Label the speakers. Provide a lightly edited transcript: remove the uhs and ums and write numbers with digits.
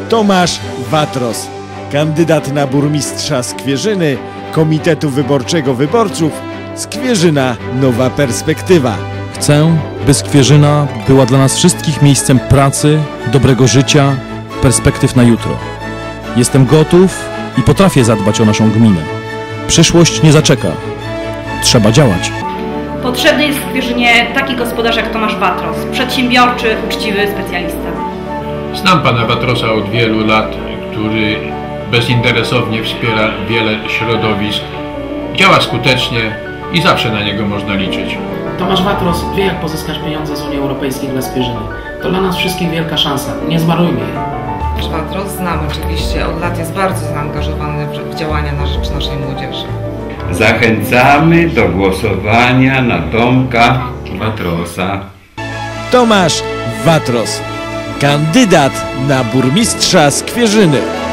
Speaker 1: Tomasz Watros, kandydat na burmistrza Skwierzyny, Komitetu Wyborczego Wyborców, Skwierzyna Nowa Perspektywa.
Speaker 2: Chcę, by Skwierzyna była dla nas wszystkich miejscem pracy, dobrego życia, perspektyw na jutro. Jestem gotów i potrafię zadbać o naszą gminę. Przyszłość nie zaczeka. Trzeba działać.
Speaker 3: Potrzebny jest w Skwierzynie taki gospodarz jak Tomasz Watros, przedsiębiorczy, uczciwy specjalista.
Speaker 4: Znam pana Watrosa od wielu lat, który bezinteresownie wspiera wiele środowisk, działa skutecznie i zawsze na niego można liczyć.
Speaker 5: Tomasz Watros wie, jak pozyskać pieniądze z Unii Europejskiej dla Skwierzyny. To dla nas wszystkich wielka szansa. Nie zmarnujmy jej.
Speaker 6: Tomasz Watros znam oczywiście, od lat jest bardzo zaangażowany w działania na rzecz naszej młodzieży.
Speaker 7: Zachęcamy do głosowania na Tomka Watrosa.
Speaker 1: Tomasz Watros, kandydat na burmistrza Skwierzyny.